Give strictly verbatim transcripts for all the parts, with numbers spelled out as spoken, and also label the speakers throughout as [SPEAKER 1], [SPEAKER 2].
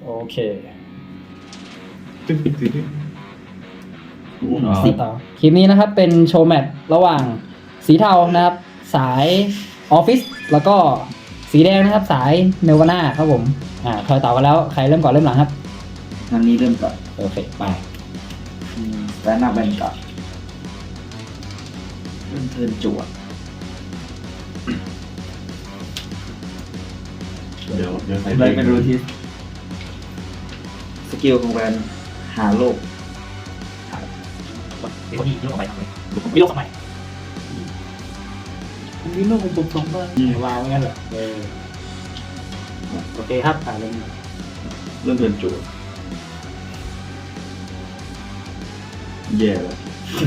[SPEAKER 1] โอเค
[SPEAKER 2] ตึ้งตึ้งตึ้งตึ้ง
[SPEAKER 1] สิต่อคลิปนี้นะครับเป็นโชว์แมตช์ระหว่างสีเทานะครับ สายออฟฟิศแล้วก็สีแดงนะครับ สายเนวาน่าครับผมอ่าทอยต่อกันแล้วใครเริ่มก่อนเริ่มหลังครับ
[SPEAKER 3] ทางนี้เริ่มก่อน
[SPEAKER 1] โอเคไป
[SPEAKER 3] แล้วหน้าแบนก่อนเริ่มเทิร์นจั่ว
[SPEAKER 2] เดี๋ยวเดี๋ยวใส่
[SPEAKER 3] อะไรไม่รู้ที่สกิลของแบนหาโลก
[SPEAKER 1] เดี๋ยวนี้โลกออกไปทำไมมีโลกทำไมมีโลกของผมสองใบวางไว้งั้นเหรอเออโอเคครับอ่าเริ่ม
[SPEAKER 2] เริ่มเดินจั่วแย่แล้ว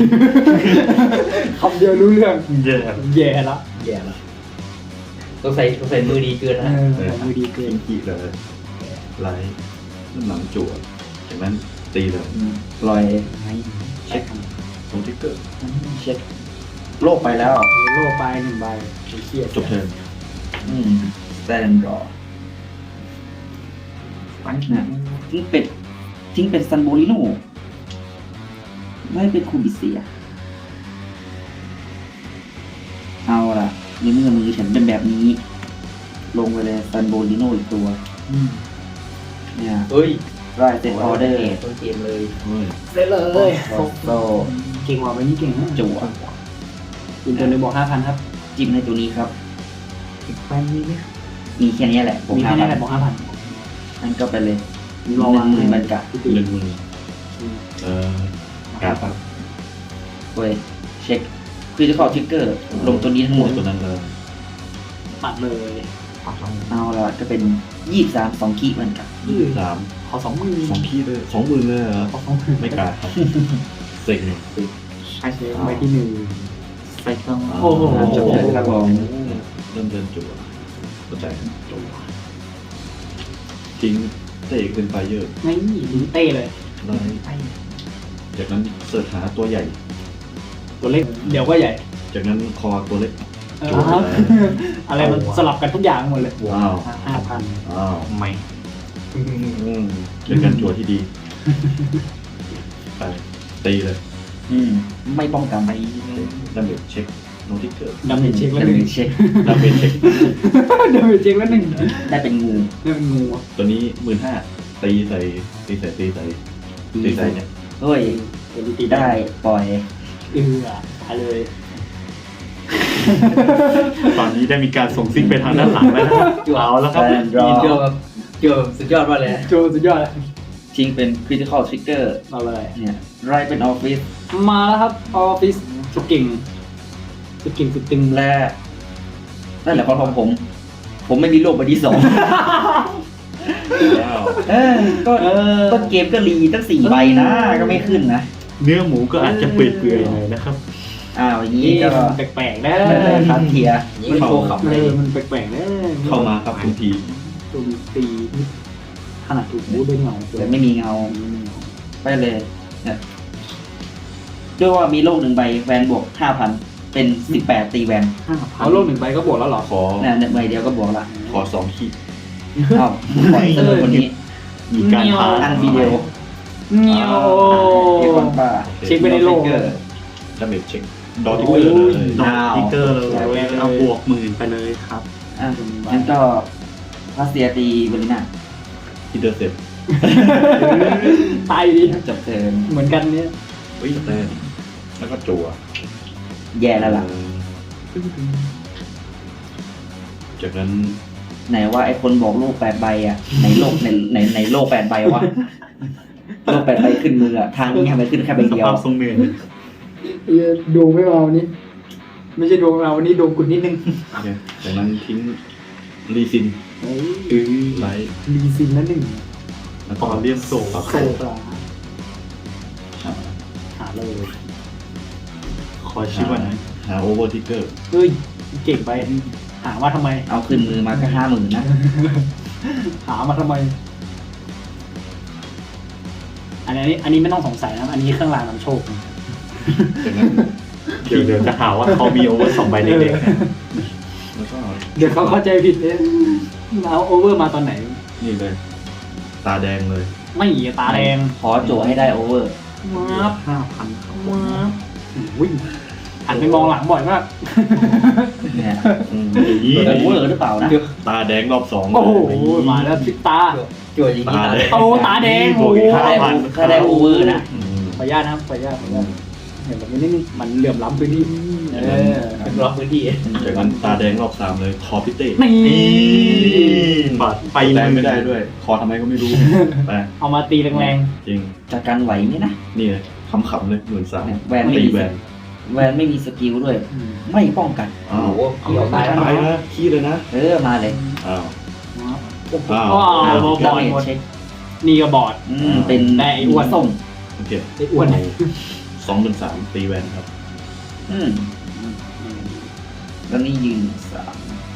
[SPEAKER 1] คำเดียวรู้เรื่อง
[SPEAKER 2] แย่
[SPEAKER 1] แย่ละแย่ละ
[SPEAKER 3] ต้องใส่ต้องใส่มือดีเกินนะ
[SPEAKER 1] เออมือดีเกิน
[SPEAKER 2] กินกี่เลยไลท์เริ่มหลังจั่วจากนั้นตีเลย
[SPEAKER 3] ปล่อย
[SPEAKER 2] เช็คตรงทิกเกอร์
[SPEAKER 3] เช็คโลกไปแล้ว
[SPEAKER 1] โลกไปหนึ่งใบเครียด
[SPEAKER 2] จบเทิร์น
[SPEAKER 3] อืมแซนรอปังนะทิ้งเป็ดทิ้งเป็ดซันโบลิโนไม่เป็นคูบิเซีย เอาล่ะในเมื่อมือฉันเป็นแบบนี้ ลงไปเลยซันโบลิโนอีกตัวเนี่ย
[SPEAKER 4] เฮ้ย
[SPEAKER 3] ไรเซตออเดอร์
[SPEAKER 4] ต้นเกมเลย
[SPEAKER 2] เฮ้ย
[SPEAKER 1] เสร็จเลย
[SPEAKER 3] โซโซ
[SPEAKER 1] เก่งกว่าไปนี่เก่งนะ
[SPEAKER 3] จั่ว
[SPEAKER 1] อินเตอร์เลยบอกห้าพันครับ
[SPEAKER 3] จิ้มในตัวนี้ครับ
[SPEAKER 4] อีกแป๊บนี้ไหม
[SPEAKER 3] มีแค่นี้แหละผม
[SPEAKER 1] มี
[SPEAKER 3] ห้า
[SPEAKER 1] แค่
[SPEAKER 3] พั
[SPEAKER 1] นี้
[SPEAKER 3] น
[SPEAKER 1] แหละบอกห้าพัน
[SPEAKER 3] นั่นก็ไปเลยห
[SPEAKER 1] รอวาง
[SPEAKER 3] นึ่งหมื่นบรรกะ
[SPEAKER 2] หนึ่งมือเอ่อการ์ดปั๊บ
[SPEAKER 3] เว้ยเช็คคือจะขอทริกเกอร์ลงตัวนี้ทั้งหมด
[SPEAKER 2] ตัวนั้นเลย
[SPEAKER 1] ปัดเลย
[SPEAKER 4] ปัดสอง
[SPEAKER 3] เอาละก็เป็นยี่สิบสามสองคีเหมือนกัน
[SPEAKER 2] ยี่สิบสาม
[SPEAKER 1] ขอสองหมื่น
[SPEAKER 2] สองขี้เลยสองหมื่นเลยเหรอ
[SPEAKER 1] ขอสองหมื่น
[SPEAKER 2] ไม่กล้าครับเซ็งเลย
[SPEAKER 1] ใช่ใบที่หนึ่ง
[SPEAKER 4] ใส่เครื่อง
[SPEAKER 1] โอ้โห
[SPEAKER 3] จบเลยครับผม
[SPEAKER 2] เริ่มเดินจั่วเข้าใจจั่วทิ้งเตะขึ้นไฟเยอะ
[SPEAKER 1] ไม่ลิ้นเต้เลย
[SPEAKER 2] ไลท์จากนั้นเสิร์ชหาตัวใหญ่
[SPEAKER 1] ตัวเล็กเดี๋ยวก็ใหญ่
[SPEAKER 2] จากนั้นคอตัวเล็ก
[SPEAKER 1] เออครับอะไรมันสลับกันทุกอย่างหมดเลย
[SPEAKER 2] ว้าว
[SPEAKER 1] ห้าพัน
[SPEAKER 2] อ้าว
[SPEAKER 4] ใหม่
[SPEAKER 2] อืมเป็นการจั่วที่ดีไปตีเลย
[SPEAKER 3] อืมไม่ป้องกันไป
[SPEAKER 2] ดาเมจเช็คโนติเกอร์
[SPEAKER 1] ดาเมจเช็คแล้ว
[SPEAKER 3] ดา
[SPEAKER 1] หนึ่ง
[SPEAKER 3] เมจเช็ค
[SPEAKER 2] ดาเมจเช็ค
[SPEAKER 1] ดาเมจเช็คแล้วหนึ่ง
[SPEAKER 3] ได้เป็นงู
[SPEAKER 1] นี่เป็นงู
[SPEAKER 2] ตัวนี้หมื่นห้าตีใส่ตีใส่ตีใส่ตีใส่เนี่ย
[SPEAKER 3] เฮ้ย
[SPEAKER 1] ตัวนี้ตี
[SPEAKER 3] ได้ปล่อย
[SPEAKER 1] เออตายเลย
[SPEAKER 2] ตอนนี้ได้มีการส่งซิกไปทางด้านหลังแล้วนะครับเอาแล้วครับ
[SPEAKER 3] แซนรอ
[SPEAKER 4] เกี่ยวกับเกี่ยวกับสุดยอดมากเลย
[SPEAKER 1] โจสุดยอดเลย
[SPEAKER 3] ทิ้งเป็นคริติคอลทริกเกอร์
[SPEAKER 1] เอาเลย
[SPEAKER 3] เนี่ยไรเป็นออฟฟิศ
[SPEAKER 1] มาแล้วครับออฟฟิศสุดเก่งสุดเก่งสุดตึง
[SPEAKER 3] และนั่นแหละความของผม ผมไม่มีโลกใบที่สอง
[SPEAKER 2] ว้าว
[SPEAKER 3] เออก็
[SPEAKER 1] เออ
[SPEAKER 3] ต้นเกมก็รีตั้งสี่ใบนะ ก็ไม่ขึ้นนะ
[SPEAKER 2] เนื้อหมูก็อาจจะเปื่อยๆหน่อยนะครับ
[SPEAKER 3] อ้าวอย่างนี้
[SPEAKER 1] นี่
[SPEAKER 3] ก็
[SPEAKER 1] แปลกๆนะ
[SPEAKER 3] ไม่เป็นครับเทียร์
[SPEAKER 4] ยิ่งโชว์ขับ
[SPEAKER 1] เอ
[SPEAKER 4] เลย
[SPEAKER 1] อมันแปลกๆนะ
[SPEAKER 2] เข้ามาครับทุกที
[SPEAKER 1] ตัวตีขนาดถูกบูด้วยเงา
[SPEAKER 3] แต่ไม่มีเงาไปเลยเนี่ยด้วยว่ามีโลกหนึ่งใบแวนบวกห้าพันเป็นสิบแปดตีแวน
[SPEAKER 1] เอาโลกหนึ่งใบก็บวกแล้วเหรอ
[SPEAKER 2] ขอ
[SPEAKER 3] เนี่ยเนี่ยใบเดียวก็บวกละ
[SPEAKER 2] ขอสองขีด
[SPEAKER 3] อ้าวปล่อยเตอร์คนนี้
[SPEAKER 2] มีการหา
[SPEAKER 3] อันวิดีโอ
[SPEAKER 1] เงี้ยว
[SPEAKER 3] เอคอนป้า
[SPEAKER 1] เช็คไปในโลก
[SPEAKER 3] เกอร์
[SPEAKER 2] ดาเมจเช็คดอทิกเกอร์เลย
[SPEAKER 3] ดอทิกเกอร์
[SPEAKER 1] เลยเอาบวกหมื่นไปเลยครับ
[SPEAKER 3] อ่ะงั้นก็พาสเซียตีเวลิน่า
[SPEAKER 2] ที่เดอร์เซ็ต
[SPEAKER 1] ตายดี
[SPEAKER 3] จบเทิร์น
[SPEAKER 1] เหมือนกันเนี่ย
[SPEAKER 2] เฮ้ยแต่แล้วก็จั่ว
[SPEAKER 3] แย่แล้วล่ะ
[SPEAKER 2] จากนั้น
[SPEAKER 3] ไหนว่าไอ้คนบอกโลกแปดใบอ่ะในโลกในในในโลกแปดใบวะโลกแปดใบขึ้นมืออ่ะทางนี้ทำไมขึ้นแค่ใบ
[SPEAKER 2] ส
[SPEAKER 3] เดียว
[SPEAKER 2] ภาพทรงเหนื่อย
[SPEAKER 1] ดูไม่มาวันนี้ ไม่ใช่ดูมาวันนี้ดูกุดนิดนึง
[SPEAKER 2] โอเคจากนั้นทิ้งรีซิน
[SPEAKER 1] เฮ้ย
[SPEAKER 2] อื้อไลท์
[SPEAKER 1] รีซินนั่นหนึ่ง
[SPEAKER 2] แล้วก็เรียกโซ่ครับ
[SPEAKER 1] โซฟาหาเลย
[SPEAKER 2] คอยชื่อว่าหาโอเวอร์ทิกเกอร์
[SPEAKER 1] เฮ้ยเก่งไปหามาทำไม
[SPEAKER 3] เอาขึ้นมือมาก็ห้าหมื่นนะ
[SPEAKER 1] หามาทำไม อันนี้อันนี้ไม่ต้องสงสัยนะอันนี้เครื่องรางนำโชค
[SPEAKER 2] จากนั้น
[SPEAKER 5] เดี๋ยวเดี๋ยวจะหาว่าเขามีโอเวอร์สองใบเด็ก
[SPEAKER 2] แล้วก็
[SPEAKER 1] เดี๋ยวเขาเข้าใจผิดเลยเอาโอเวอร์มาตอนไหน
[SPEAKER 2] นี่เลยตาแดงเลย
[SPEAKER 1] ไม่ตาแดง
[SPEAKER 3] ขอโจให้ได้โอเวอร์
[SPEAKER 1] มาบ
[SPEAKER 5] ห้าพันครับ
[SPEAKER 1] มาบอุ้ยหันไปมองหลังบ่อยมาก
[SPEAKER 3] เนี่ย
[SPEAKER 2] อืมอย่างนี้
[SPEAKER 3] โอเวอร์หรือเปล่านะ
[SPEAKER 2] ตาแดงรอบสอง
[SPEAKER 1] โอ้โห
[SPEAKER 2] เลย
[SPEAKER 1] มาแล้วพลิกตา
[SPEAKER 4] จั่วอย่างนี้
[SPEAKER 2] ตา
[SPEAKER 4] ตา
[SPEAKER 2] แด
[SPEAKER 4] แด
[SPEAKER 2] ง
[SPEAKER 4] ง
[SPEAKER 1] โอ้ตาแดง
[SPEAKER 5] บวกอีก
[SPEAKER 3] ถ้า
[SPEAKER 5] ห้า
[SPEAKER 3] ได้
[SPEAKER 5] พัน
[SPEAKER 3] ถ้าได้โอเวอร์นะ
[SPEAKER 2] อืม
[SPEAKER 1] ขออนุญาตนะครับขออนุญาตขออนุญาตเห็นแบบนี้นี่มันเหลื่อมล้ำพื้นที่เออ
[SPEAKER 4] เป็นล็อกพื้นที่
[SPEAKER 2] จากนั้นตาแดงรอบสามเลยคอพิเต้
[SPEAKER 1] นี่
[SPEAKER 5] บัตรไป
[SPEAKER 2] แรงไม่ได้ด้วย คอทำไมก็ไม่รู้ไป
[SPEAKER 1] เอามาตีแรง
[SPEAKER 2] จริง
[SPEAKER 3] จากการไหวไหมนะ
[SPEAKER 2] นี่เลยขำๆเลยหมื่นสาม
[SPEAKER 3] เนี่ยแวนไม่
[SPEAKER 2] ตี
[SPEAKER 3] มี
[SPEAKER 2] แวน
[SPEAKER 3] แวนไม่มีสกิลด้วย
[SPEAKER 1] ๆอืม
[SPEAKER 3] ไม่ป้องกัน
[SPEAKER 2] อ้า
[SPEAKER 4] โอ้
[SPEAKER 2] ว
[SPEAKER 4] โหเกี่ยวตายแล้ว
[SPEAKER 2] ตายนะขี้เลยนะ
[SPEAKER 3] เออมาเลย
[SPEAKER 2] อ้าว
[SPEAKER 1] โอ้โห
[SPEAKER 2] อ้าว
[SPEAKER 1] ว้าว
[SPEAKER 3] อ่า
[SPEAKER 1] บอ
[SPEAKER 3] ดา
[SPEAKER 1] ด
[SPEAKER 3] เมจ
[SPEAKER 1] หมด
[SPEAKER 3] เช็ค
[SPEAKER 1] นี่ก็บอด
[SPEAKER 3] อืมเป็น
[SPEAKER 1] ได้ไอ้อ้วน
[SPEAKER 3] ส้ม
[SPEAKER 2] โอเค
[SPEAKER 1] ไอ้อ้วน
[SPEAKER 2] สองหมื่นสามตีแวนครับ
[SPEAKER 3] อืมแล้วนี่ยืนสาม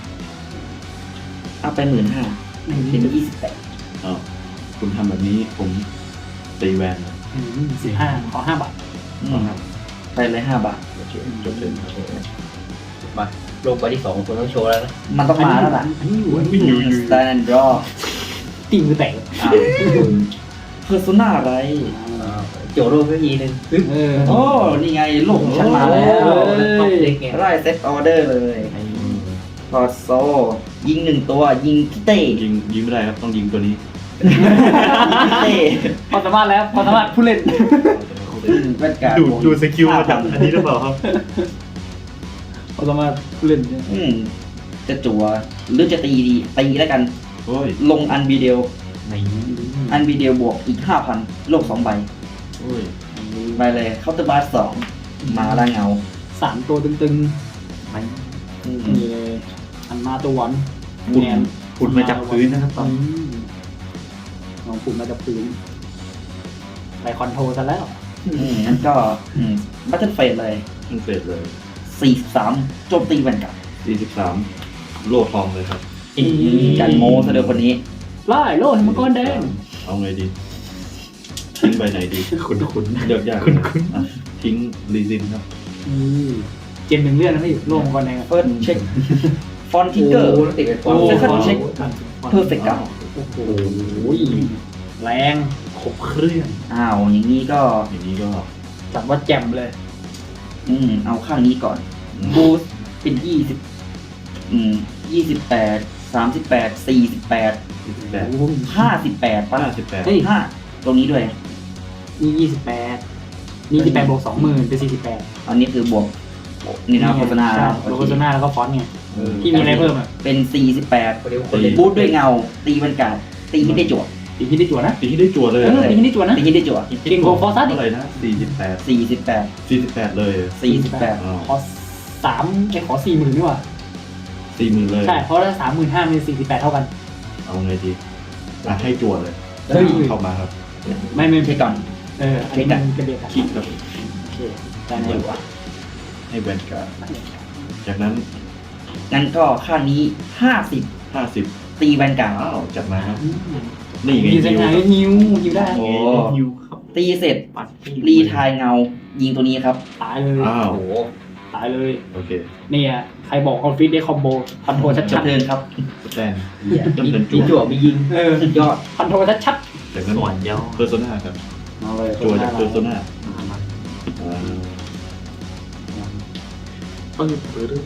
[SPEAKER 3] เอาไปหมื่นห้าเป็นยี่สิบแปด
[SPEAKER 2] อ้าวคุณทำแบบนี้ผมตีแวนนะ
[SPEAKER 1] สิบห้าขอห้าบาท
[SPEAKER 3] ไปเลยห้าบาท
[SPEAKER 2] โอเคจบเลยครับ
[SPEAKER 4] มาลงไปที่สองคนต้องโชว์แล้วนะ
[SPEAKER 3] มันต้องมาแล้วล่ะ
[SPEAKER 1] อันนี้อยู่
[SPEAKER 2] ไม่อยู่อยู่
[SPEAKER 3] สแตนด์ดรอ
[SPEAKER 1] ตีมือแตก
[SPEAKER 3] เพอร์โซนาอะไร
[SPEAKER 4] โจโร่ก็ยีนึงปึ๊บ
[SPEAKER 1] เออ
[SPEAKER 3] โอ้ นี่ไงลูกของฉันมาแล้ว
[SPEAKER 4] ท็อปเล็กไง
[SPEAKER 3] ไล่เซตออเดอร์เลยพอโซ ยิงหนึ่งตัวยิงพี่เต้
[SPEAKER 2] ยิงยิงไม่ได้ครับต้องยิงตัวนี้
[SPEAKER 3] พี่เต้
[SPEAKER 1] พอสามารถแล้วพอสามารถผู้เล่น
[SPEAKER 3] แว่นการ์
[SPEAKER 5] ดูดูสกิลมาจากอันนี้หรือเปล่าครับ
[SPEAKER 1] พอสามารถผู้เล่นเนี่ย
[SPEAKER 3] อืมจะจั่วหรือจะตีดีตีแล้วกัน
[SPEAKER 2] โอ้ย
[SPEAKER 3] ลงอันบีเดียว
[SPEAKER 5] ใน
[SPEAKER 3] อันบีเดียวบวกอีกห้าพันโลกสองใบ
[SPEAKER 2] โอ้ย
[SPEAKER 3] ไปเลยเคาน์เตอร์บาร์สองมาละเงา
[SPEAKER 1] สามตัวตึง
[SPEAKER 3] อืม
[SPEAKER 1] ๆนี่เลยอันมาตัวหวาน
[SPEAKER 5] ขุดขุดมาจากพื้นนะครับตอน
[SPEAKER 1] อืมลองปุ่มมาจากพื้นไปคอนโทรลซะแล้ว
[SPEAKER 3] อืมงั้นก็บัตเทิลเฟสเลย
[SPEAKER 2] ขึ้นเสร็จเลย
[SPEAKER 3] สี่สิบสามโจมตีแวนกับ
[SPEAKER 2] สี่สิบสามโลทองเลยครับ
[SPEAKER 1] อืม
[SPEAKER 3] การโมซะเดียวคนนี้
[SPEAKER 1] ไล่โล่ให้มังกรแดง
[SPEAKER 2] เอาไงดี ทิ้งใบไหนดี
[SPEAKER 5] ขุดขุด
[SPEAKER 2] เลือกยาก
[SPEAKER 5] คุณคุณ
[SPEAKER 2] อ่ะทิ้งรีซินครับ
[SPEAKER 1] อืมเกมหนึ่งเลื่อนนะพี่โล่มังกรแดงอะ
[SPEAKER 3] เฟิร์สเช็คฟอนทิกเกอร์
[SPEAKER 4] โอ้โหติดเป็นฟอนต์
[SPEAKER 3] โอ้ Second check เพอร์เฟกต์กับ
[SPEAKER 1] โอ้โหแรง
[SPEAKER 5] ครบเครื่อง
[SPEAKER 3] อ้าวอย่างนี้ก็
[SPEAKER 2] อย่างนี้ก็
[SPEAKER 1] จับว่าแจ่มเลย
[SPEAKER 3] อืมเอาข้างนี้ก่อน
[SPEAKER 2] อืม
[SPEAKER 3] บูสเป็นยี่สิบอืมยี่สิบแปดสามสิบแปดสี่สิบแปด
[SPEAKER 2] สี่สิบแปด
[SPEAKER 3] ห้าสิบแปดป่ะ
[SPEAKER 2] ห้าสิบแปด
[SPEAKER 1] เฮ้ย
[SPEAKER 3] ห้าตรงนี้ด้วย
[SPEAKER 1] นี่ยี่สิบแปดนี่ยี่สิบแปดบวกสองหมื่นเป็นสี่สิบแปด
[SPEAKER 3] อันนี้คือบวกนี่นะโฆษณา
[SPEAKER 1] ใช่
[SPEAKER 3] โอ
[SPEAKER 1] โฆ
[SPEAKER 3] เค
[SPEAKER 1] ษณาแล้วก็ฟอนต์ไง
[SPEAKER 2] เออ
[SPEAKER 1] ที่มีอะไรเพิ่มอ่ะ
[SPEAKER 3] เป็นสี่สิบแปด
[SPEAKER 4] คนเดียวคนเล่น
[SPEAKER 3] บูทด้วยเงา ตีบรรกาศตีให้ได้จั่ว
[SPEAKER 1] ตีที่ได้จั่วนะ
[SPEAKER 2] ตีให้ได้จั่วเลย
[SPEAKER 1] เออตีที่ได้จั่วนะ
[SPEAKER 3] ตีให้ได้จั่ว
[SPEAKER 1] เก่งกว่าฟอร์ซัสอี
[SPEAKER 2] เท่าก ไหร่นะสี่สิบแปด
[SPEAKER 3] สี่สิบแปด
[SPEAKER 2] สี่สิบแปดเลย
[SPEAKER 3] สี่สิบแปด
[SPEAKER 2] อ้าว
[SPEAKER 1] ขอสามไอ้ขอสี่หมื่นดีกว่า
[SPEAKER 2] สี่หมื่นเลย
[SPEAKER 1] ใช่เพราะถ้าสามหมื่นห้าเป็นสี่สิบแปดเท่ากัน
[SPEAKER 2] เอาไงดีอ่ะให้จั่วเลย
[SPEAKER 1] เฮ้ย
[SPEAKER 2] เข้ามาครับ
[SPEAKER 1] ไม่ไม่
[SPEAKER 3] เช็คก่อน
[SPEAKER 1] เอออันนี้มันเป็นเด็กอะ
[SPEAKER 2] คลิกครับ
[SPEAKER 1] โอเคได้ไหมวะ
[SPEAKER 2] ให้แวนการ์ดจากนั้น
[SPEAKER 3] งั้นก็ค่านี้ห้าสิบ
[SPEAKER 2] ห้าสิบ
[SPEAKER 3] ตีแวนการ์ด
[SPEAKER 2] อ้าวจัดมาครับ นี่ไง
[SPEAKER 1] ยิว
[SPEAKER 2] ยิว
[SPEAKER 1] ไงยิวยิวได้
[SPEAKER 3] โอ้
[SPEAKER 5] ฮิวครับ
[SPEAKER 3] ตีเสร็จ
[SPEAKER 5] ปัด
[SPEAKER 3] รีทายเงา ยิงตัวนี้ครับ
[SPEAKER 1] ตายเลย
[SPEAKER 2] อ้าว
[SPEAKER 4] โอ้โห
[SPEAKER 1] ตายเลย
[SPEAKER 2] โอเค
[SPEAKER 1] เนี่ยใครบอกออฟฟิศได้คอมโบคอนโทรล
[SPEAKER 3] จ
[SPEAKER 1] ชั
[SPEAKER 3] บ
[SPEAKER 1] ด
[SPEAKER 3] เทิร์นครับ
[SPEAKER 2] สแตน
[SPEAKER 4] มี
[SPEAKER 2] จำเป็น
[SPEAKER 4] มี
[SPEAKER 2] จั่
[SPEAKER 4] จั่
[SPEAKER 2] ว
[SPEAKER 4] วมียิง
[SPEAKER 1] ๆเออ
[SPEAKER 3] สุดยอด
[SPEAKER 1] คอนโทรลชัด
[SPEAKER 2] จากนั้น
[SPEAKER 5] ส่วนย่อ
[SPEAKER 2] เพอร์โซนาครับ
[SPEAKER 1] ๆเอาเลย
[SPEAKER 2] จั่วจากเพอร์โซนา
[SPEAKER 5] ปึ้งปื้ด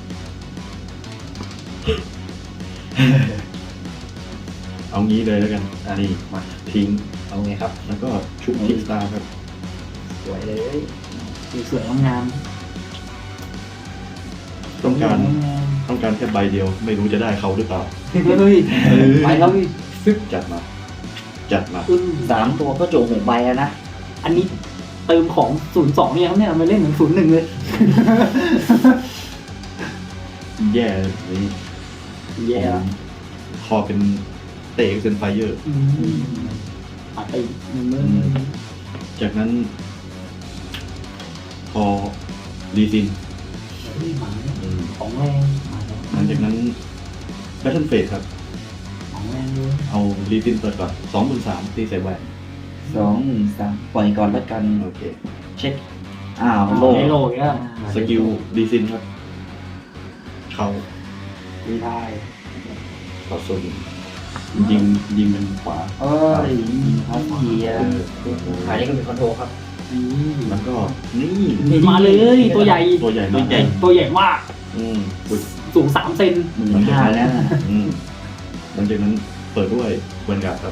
[SPEAKER 2] เอางี้เลยแล้วกันนี่มาทิ้ง
[SPEAKER 4] เอาไงครับ
[SPEAKER 2] แล้วก็ชุบทิกสตาร์ครับ
[SPEAKER 4] สวยเลย
[SPEAKER 1] สวยๆงาม
[SPEAKER 2] ต้องการ
[SPEAKER 1] งาม
[SPEAKER 2] ต้องการแค่ใบเดียว ไม่รู้จะได้เขาหรือเปล่า
[SPEAKER 1] เฮ้ย
[SPEAKER 3] ไปครับ
[SPEAKER 2] จัดมา จัดมา
[SPEAKER 1] อืม
[SPEAKER 3] สามตัวก็โจหกใบแล้วนะ
[SPEAKER 1] อันนี้เติมของศูนย์สองเนี่ยครับเนี่ยมาเล่นเหมือนศูนย์หนึ่งเลย
[SPEAKER 2] แย่เลยนี่
[SPEAKER 1] แย่
[SPEAKER 2] ผมคอเป็นเตะเซนไฟเยอร์
[SPEAKER 1] อืมปาดไปหนึ่งมือ
[SPEAKER 2] จากนั้น พอรีซิน
[SPEAKER 1] เฮ้ยหมา
[SPEAKER 2] อืม
[SPEAKER 1] ของแรงมาแล้ว
[SPEAKER 2] หลังจากนั้นแบทเทิลเฟสครับ
[SPEAKER 1] ของแรงเลย
[SPEAKER 2] เอารีซินเปิดก่อนสองหมื่นสามตีใส่แหวน
[SPEAKER 3] สองหมื่นสามปล่อยก่อนแล้วกัน
[SPEAKER 2] โอเค
[SPEAKER 3] เช็ค อ้าว
[SPEAKER 1] โล
[SPEAKER 3] โล
[SPEAKER 1] ไอโลอีกแล้ว
[SPEAKER 2] สกิลรีซินครับ เขา
[SPEAKER 1] ดีได้
[SPEAKER 2] เขาโซนยิงยิงเป็นขวา
[SPEAKER 3] เอ้ยพาเทีย
[SPEAKER 2] เออ
[SPEAKER 4] ขายนี่ก็มีคอนโทรลครับ
[SPEAKER 2] แล้วก็นี่
[SPEAKER 1] มาเลยตัวใหญ่
[SPEAKER 2] ตัวใหญ่มาก
[SPEAKER 1] ตัวใหญ่มาก
[SPEAKER 2] อืมอุ๊ย
[SPEAKER 1] สูงสามเซน
[SPEAKER 3] หมื่นห้าแล้ว
[SPEAKER 2] อืมหลังจากนั้นเปิดด้วยเวนการ์ดครับ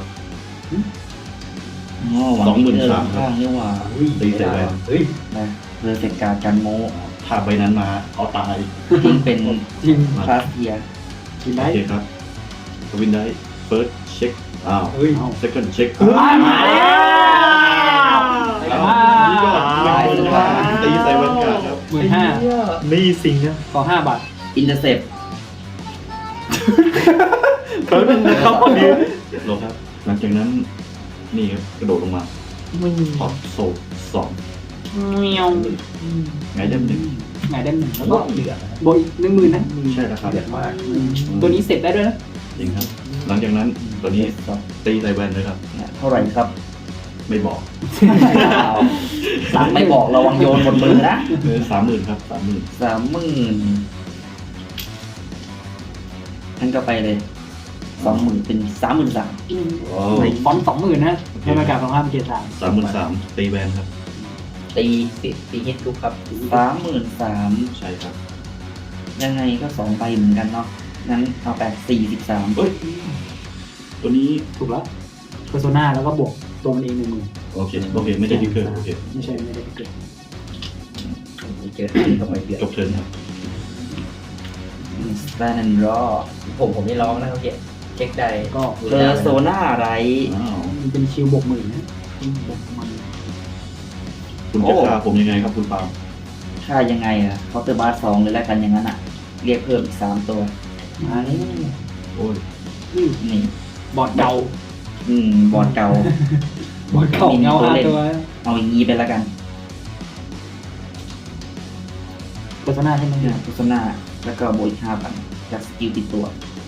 [SPEAKER 2] สองหมื่นสามครับ
[SPEAKER 3] ข้างนี่หว่า
[SPEAKER 2] ตีใส่แวน
[SPEAKER 4] เฮ้ย
[SPEAKER 3] นะเพอร์เฟกการกันโม
[SPEAKER 2] ถ้าใบนั้นมาเอาตาย
[SPEAKER 3] ยิ่งเป็น
[SPEAKER 1] จริง
[SPEAKER 3] พาเทีย
[SPEAKER 1] กิน
[SPEAKER 2] โอ
[SPEAKER 1] ได้
[SPEAKER 2] เคครับทวินได้เฟิร์สเช็คอ้าว
[SPEAKER 4] เฮ้ย
[SPEAKER 2] เซคันด์เช็ค
[SPEAKER 1] มาแล้ว
[SPEAKER 2] แล้วนี่ก็หนึ่งหมื่นห้าตีใส่แวนการ์ดครับ
[SPEAKER 1] หมื่นห้า
[SPEAKER 5] นี่สิงนะ
[SPEAKER 1] ต่อห้าบาท
[SPEAKER 3] อินเตอร์เซป
[SPEAKER 5] แป๊บนึงนะครับพอดี
[SPEAKER 2] ลงครับ หลังจากนั้นนี่ครับกระโดดลงมาถอดโซ่สอง
[SPEAKER 1] เมียว
[SPEAKER 2] ไงได้หนึ่ง
[SPEAKER 1] ไงได้หนึ่งแล้ว
[SPEAKER 4] ก็
[SPEAKER 1] ก็
[SPEAKER 4] เดือด
[SPEAKER 1] โบยหนึ่งหมื่นนะ
[SPEAKER 2] ใช่แล้วครับ
[SPEAKER 4] เดือดมาก
[SPEAKER 1] ตัวนี้เสร็จได้ด้วยนะ
[SPEAKER 2] จริงครับ หลังจากนั้นตัวนี้ตีใส่แวนเลยครับ
[SPEAKER 3] เท่าไหร่ครับ
[SPEAKER 2] ไม่บอก
[SPEAKER 3] สั่งไม่บอกระวังโยนบนมือนะ
[SPEAKER 2] เออสามหมื่นครับสามหมื่น
[SPEAKER 3] สามหมื่นท่านก็ไปเลยสองหมื่นเป็นสามหมื่นสาม
[SPEAKER 2] โอ้
[SPEAKER 1] ในฟอนต์สองหมื่นนะในประกาศของห้ามเกียรติสาม
[SPEAKER 2] สามหมื่นสามตีแวนครับ
[SPEAKER 4] ตีตีตีฮิตลุกครับ
[SPEAKER 3] สามหมื่นสาม
[SPEAKER 2] ใช่ครับ
[SPEAKER 3] ยังไงก็สองใบเหมือนกันเนาะงั้นเอาไปสี่สิบสาม
[SPEAKER 2] เอ้ย ตัวนี้
[SPEAKER 1] ถูกแล้วเพอร์โซนาแล้วก็บวกตัวมันเองหนึ่งหมื่น
[SPEAKER 2] โอเค โอเค ไม่ได้ดิกเกอร์โอเค
[SPEAKER 1] ไม่ใช่ไม่ได้เกิด
[SPEAKER 4] มีเจอที่ตรงไอเดือด
[SPEAKER 2] จบเทิร์นครับ
[SPEAKER 3] สแตนด์รอ
[SPEAKER 4] ผมผมนี่ร้องนะเขาเก็บเช็คได้
[SPEAKER 1] ก็
[SPEAKER 3] เพอร์โซนาไร
[SPEAKER 2] อ้าว
[SPEAKER 1] มันเป็นคิวบวกหมื่นนะบวกหมื่น
[SPEAKER 2] คุณจะฆ่าผมยังไงครับคุณปาล์ม
[SPEAKER 3] ค่ายังไงอะเคาน์เตอร์บาร์สองเลยแล้วกันอย่างนั้นอะเรียกเพิ่มอีกสามตัว
[SPEAKER 1] มานี่
[SPEAKER 2] โอ้ย
[SPEAKER 3] นี่
[SPEAKER 1] บอร์ดเก่า
[SPEAKER 3] อืมบอร์ดเก่า
[SPEAKER 1] บอร์ดเก่าเงาห้าตัว
[SPEAKER 3] เอาอย่างนี้ไปแล้วกัน
[SPEAKER 1] เพอร์โซนาใช่ไหม
[SPEAKER 3] โฆษณาแล้วก็โบยห้าพันจากสกิลติดตัว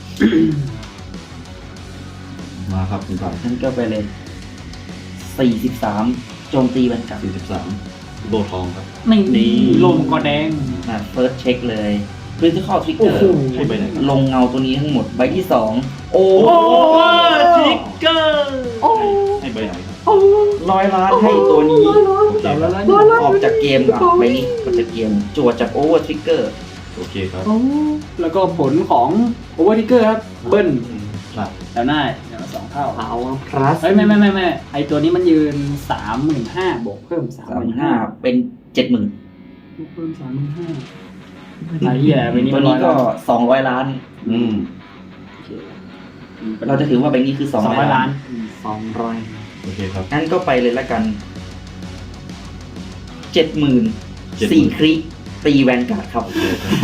[SPEAKER 2] มาครับคุณปาล์ม
[SPEAKER 3] ท่านก็ไปเลยสี่สิบสามโจมตีบรรกับ
[SPEAKER 2] สี่สิบสามโบทองครับ
[SPEAKER 1] นี่
[SPEAKER 2] นี่
[SPEAKER 1] ลงกอแดง
[SPEAKER 3] นะเฟิร์สเช็คเลยคริติคอลทริกเก
[SPEAKER 1] โอ้
[SPEAKER 3] อ
[SPEAKER 1] โห
[SPEAKER 3] ร์
[SPEAKER 2] ให้ไปไหนครับ
[SPEAKER 3] ลงเงาตัวนี้ทั้งหมดใบที่สองโอ้
[SPEAKER 5] ทริกเกอร์
[SPEAKER 2] ให้ใบไหนครับ
[SPEAKER 3] ร้อยล้านให้ตัวนี้
[SPEAKER 2] โอเค
[SPEAKER 1] เดี๋ยว
[SPEAKER 2] ค
[SPEAKER 1] แล้
[SPEAKER 2] รั
[SPEAKER 1] ว
[SPEAKER 2] บ
[SPEAKER 1] แล้ว
[SPEAKER 3] ออกจากเกมอ่ะใบนี้ออกจากเกมจวดจากโอเวอร์ทริกเกอร์
[SPEAKER 2] โอเคครับ
[SPEAKER 1] แล้วก็ผลของโอเวอร์ทิกเกอร์ครับ เบิ้ล
[SPEAKER 2] ครับ
[SPEAKER 1] แล้วหน้าอย่างละสองเท่า
[SPEAKER 5] เอาพลัส
[SPEAKER 1] เฮ้ยไม่ไม่ไม่ไม่ไอตัวนี้มันยืนสามหมื่นห้าบวกเพิ่มสาม
[SPEAKER 3] สา
[SPEAKER 1] ห
[SPEAKER 3] ม
[SPEAKER 1] มื่น
[SPEAKER 3] ห้า
[SPEAKER 1] ห้า
[SPEAKER 3] เป็นเจ็ดหมื่น
[SPEAKER 1] เพิ่มสามหมื่นห้าไอ้เหี้ยใบนี้
[SPEAKER 3] ตั
[SPEAKER 1] มั
[SPEAKER 3] วน
[SPEAKER 1] ร้อ
[SPEAKER 3] นี้
[SPEAKER 1] ย
[SPEAKER 3] ก็
[SPEAKER 1] ล้าน
[SPEAKER 3] สองร้อยล้าน
[SPEAKER 2] อืม
[SPEAKER 3] เราจะถือว่าใบนี้คือส
[SPEAKER 1] ส
[SPEAKER 3] อ
[SPEAKER 1] อง ง
[SPEAKER 3] ร้
[SPEAKER 1] ร้
[SPEAKER 3] อ
[SPEAKER 1] อย ย
[SPEAKER 3] ล้า
[SPEAKER 1] ล้าน น
[SPEAKER 5] สองร้อย
[SPEAKER 2] โอเคครับ
[SPEAKER 3] งั้นก็ไปเลยละกันเจ็ดหมื่นสี่คลิกตีแวนการ์ดครับ
[SPEAKER 2] โอเคครับ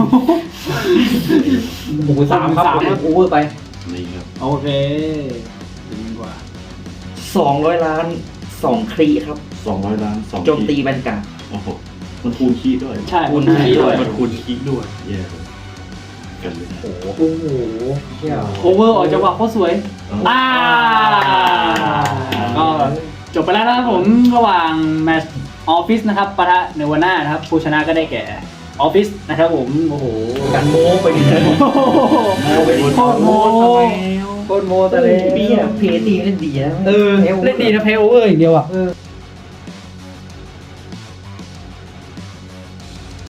[SPEAKER 4] หมูสามครับผมโอเวอร์ไป
[SPEAKER 2] นี่ครับ
[SPEAKER 1] โอเคดีกว่า
[SPEAKER 3] สองร้อยล้านสองคลีครับ
[SPEAKER 2] สองร้อยล้านสอง
[SPEAKER 3] โจมตีแวนการ์ด
[SPEAKER 2] โอ้โหมันคูณคีย์ด้วย
[SPEAKER 1] ใช่
[SPEAKER 3] คูณ
[SPEAKER 1] ที่
[SPEAKER 3] ห้า
[SPEAKER 1] ด้วย
[SPEAKER 2] มันคูณคีย์ด้วยแย่เลยกันเลย
[SPEAKER 4] โอ้โห
[SPEAKER 1] โอ้โห
[SPEAKER 4] เที่ยว
[SPEAKER 1] โอเวอร์ออกจังหวะโคตรสวย อ่าก็จบไปแล้วนะครับผมระหว่างแมตช์ออฟฟิศนะครับปะทะเนวาน่านะครับผู้ชนะก็ได้แก่ออฟฟิศนะครับผมโอ้โห
[SPEAKER 4] กันโม้ไปดิโม้ไปดิ
[SPEAKER 1] โคตรโม
[SPEAKER 4] โคตรโม้แต่เลย
[SPEAKER 3] เบี้ยเพตีเล่นดีนะ
[SPEAKER 4] เออเล่นดีนะเพลโอเวอร์อย่างเดียวอ่ะ
[SPEAKER 1] เออ